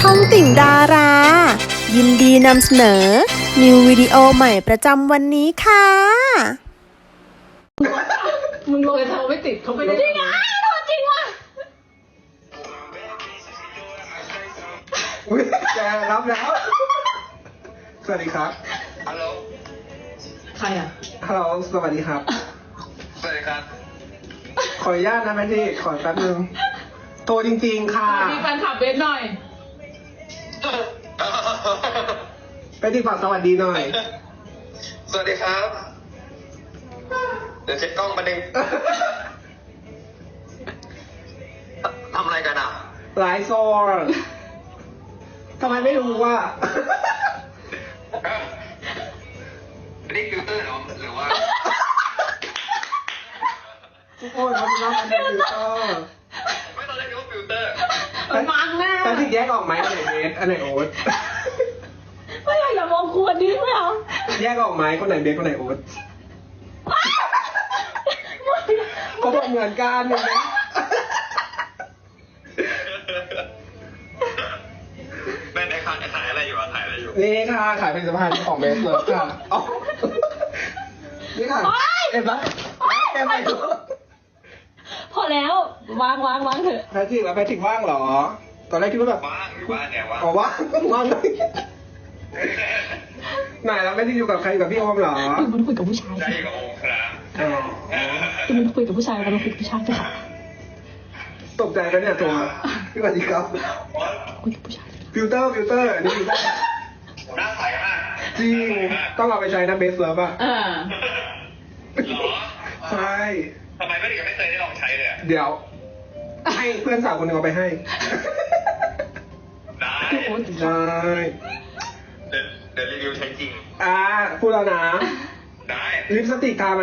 องติ่งดารา ยินดีนำเสนอ นิววิดีโอใหม่ประจำวันนี้ค่ะมึงลงเลยโทรไม่ติดเขาไม่ได้จริงอ่ะโทรจริงว่ะอุ้ยแกรับแล้ว สวัสดีครับฮัลโหลใครอ่ะฮัลโหล สวัสดีครับสวัสดีครับขออนุญาตนะแม่ที่ขอแป๊บนึง โทรจริงๆ ค่ะมีแฟนคลับเบสหน่อยไปที่ฝากสวัสดีหน่อยสวัสดีครับ เดี๋ยวเช็คกล้องมาดึงทำอะไรกันอ่ะไลฟ์โซนทำไมไม่รู้ว่านี่ฟิลเตอร์เหรอหรือว่าทุกคนมันรับอันนี้ฟิลเตอร์ไม่ตอนแรกคิดว่าฟิลเตอร์มังหน้าแต่ที่แยกออกไหมอันไหนเบสอันไหนโอ๊ตไม่อยากอย่ามองควรดิไม่เอาแยกออกไหมคนไหนเบสคนไหนโอ๊ตเขาบอกเหมือนกันเห็นไหมแม่ในขายอะไรอยู่อ่ะขายอะไรอยู่นี่ค่ะขายผลิตภัณฑ์ของเบสเลยค่ะอ๋อนี่ค่ะเห็นปะแกไปดูพอแล้ววางเถอะแพทริกแล้วแพทริกว่างเหรอ ตอนแรกคิดว่าแบบว่างอยู่บ้านเนี่ยว่างอ๋อว่างว่างเลยไหนแล้วแพทริกอยู่กับใครอยู่กับพี่โอมเหรอคือมันคุยกับผู้ชายได้อยู่กับโอมครับอ๋อคือมันคุยกับผู้ชายแล้วมันคุยกับผู้ชายค่ะตกใจกันเนี่ยตัวพี่สวัสดีครับคุยกับผู้ชายฟิลเตอร์อันนี้ฟิลเตอร์หน้าใสมากจริงต้องเอาไปใช้นะเบสเซิร์ฟอ่ะเหรอใช่ทำไมไม่ถึงไม่เคยได้ลองใช้เลยอ่ะเดี๋ยว ให้เพื่อนสาวคนหนึ่งเอาไปให้ได้ได้เดี๋ยวรีวิวใช้จริงพูดแล้วนะได้ลิปสติกทาไหม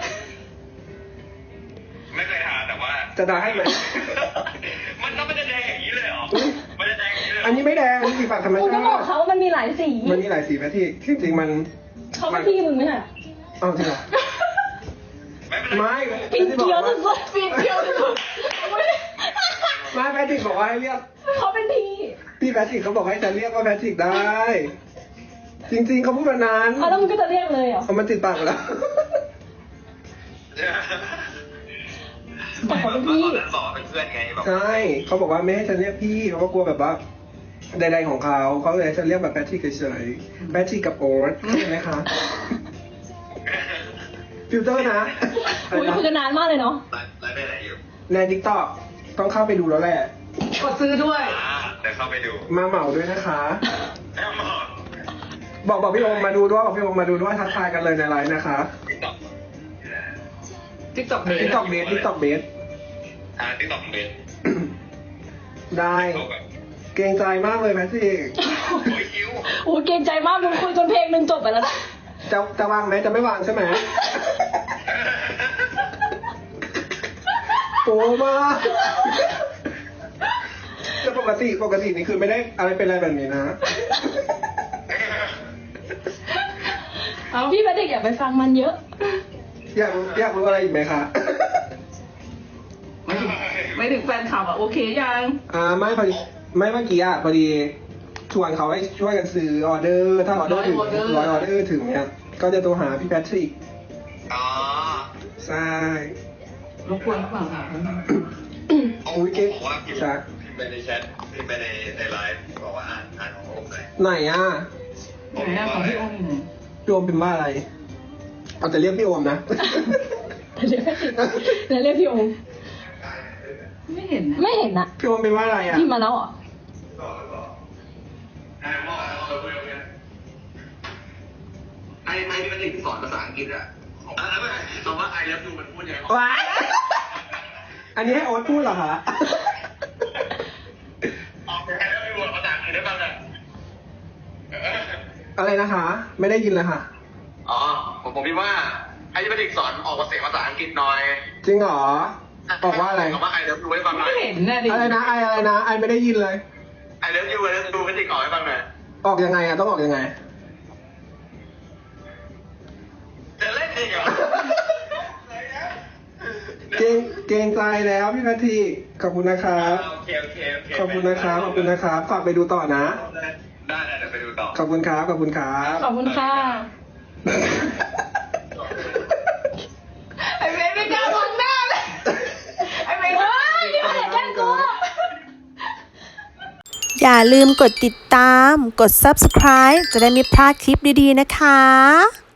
ไม่เคยทานแต่ว่าจะทาให้ไหมมันต้องไม่ได้แดงอย่างนี้เลยเหรอไม่ได้แดงอย่างนี้เลยเหรอันนี้ไม่แดงนี่สีปากธรรมกูชาก็บอกติเขาว่ามันมีหลายสีมันมีหลายสีแพทริกที่จริงมันเขาเป็นพี่มึงไหมน่ะเอาจริงเหรอไม่เป็นไรไม่ปีนเกียวสุดๆปีนเกียวสุดไม่แพทริกบอกว่าให้เรียกๆเขาเป็นพี่พี่แพทริกเขาบอกให้ฉันเรียกว่าแพทริกได้ จริงๆเขาพูดมานานเอาแล้วมึงก็จะเรียกเลยเหรอเอามันติดปากหมดแล้วแต่เขาเป็นพี่ตอนนั้นบอกว่าเป็นเพื่อนไงแบบใช่เขาบอกว่าไม่ให้ฉันเรียกพี่เพราะว่ากลัวแบบว่าใดๆของเขาเลยให้ฉันเรียกแบบแพทริกเฉยๆแพทริกกับโอ๊ตใช่ไหมคะฟิลเตอร์นะคุยกันนานมากเลยเนาะไลฟ์ไปไหนอยู่ในทิกตอกต้องเข้าไปดูแล้วแหละกดซื้อด้วยเดี๋ยวเข้าไปดูมาเหมาด้วยนะคะแอมหมอบอกพี่โอมมาดูด้วยบอกพี่โอมมาดูด้วยทักทายกันเลยในไลน์นะคะติ๊กต็อกติ๊กต็อกเบสทิกตอกเบสติ๊กต็อกเบสได้เกรงใจมากเลยแพทริกโอ้ยคิวโอ้เกรงใจมากมึงคุยจนเพลงหนึ่งจบไปแล้วนะจะวางไหมจะไม่วางใช่ไหมโอ้มากแต่ปกตินี่คือไม่ได้อะไรเป็นอะไรแบบนี้นะเอาพี่แพทริกอย่าไปฟังมันเยอะอยากรู้อะไรอีกไหมคะไม่ถึงแฟนคลับอ่ะโอเคยังไม่พอดีไม่เมื่อกี้พอดีชวนเขาให้ช่วยกันซื้อออเดอร์ถ้าออเดอร์ถึง100 ออเดอร์ถึงเนี่ยก็จะโทรหาพี่แพทริกอ๋อใช่รบกวนหรือเปล่าค่ะโอ้ยเก๊กบอกว่าพิมใช่พ์ไปในแชทพิมพ์ไปในไลฟ์บอกว่าอ่านของผมหน่อยไหนอ่ะไหนของพี่โอมอยู่ไหนพี่โอมเป็นว่าอะไรเอาแต่เรียกพี่โอมนะแล้วเรียกพี่โอมไม่เห็นนะไม่เห็นนะพี่โอมเป็นว่าอะไรอ่ะพี่มาแล้วเหรอไอ้ที่มันสอนภาษาอังกฤษอะไม่คำว่า I love you มันพูดยังไงว้ายอันนี้ให้โอ๊ตพูดเหรอคะออกI love you ภาษาอังกฤษได้บ้างอะอะไรนะคะ ไม่ได้ยินเลยค่ะอ๋อผมคิดว่าไอ้ที่มันสอนออกเสียงภาษาอังกฤษหน่อยจริงเหรอบอกว่าอะไรคำว่า I love you ให้ฟังหน่อยไม่เห็นนะดิอะไรนะอะไรนะไอไม่ได้ยินเลย I love you ไม่ติดออกให้ฟังหน่อยออกยังไงอ่ะต้องออกยังไงจะเล่นจริงเหรอเกรงใจแล้วพี่แพทริกขอบคุณนะครับโอเคโอเคโอเคขอบคุณนะครับขอบคุณนะครับฝากไปดูต่อนะได้เดี๋ยวไปดูต่อขอบคุณครับขอบคุณครับขอบคุณค่ะ ไอเมย์ไม่กล้ามองหน้าเลย ไอเมย์เฮ้ยอย่าแกล้งกูอย่าลืมกดติดตาม กด subscribe จะได้ไม่พลาดคลิปดีๆนะคะ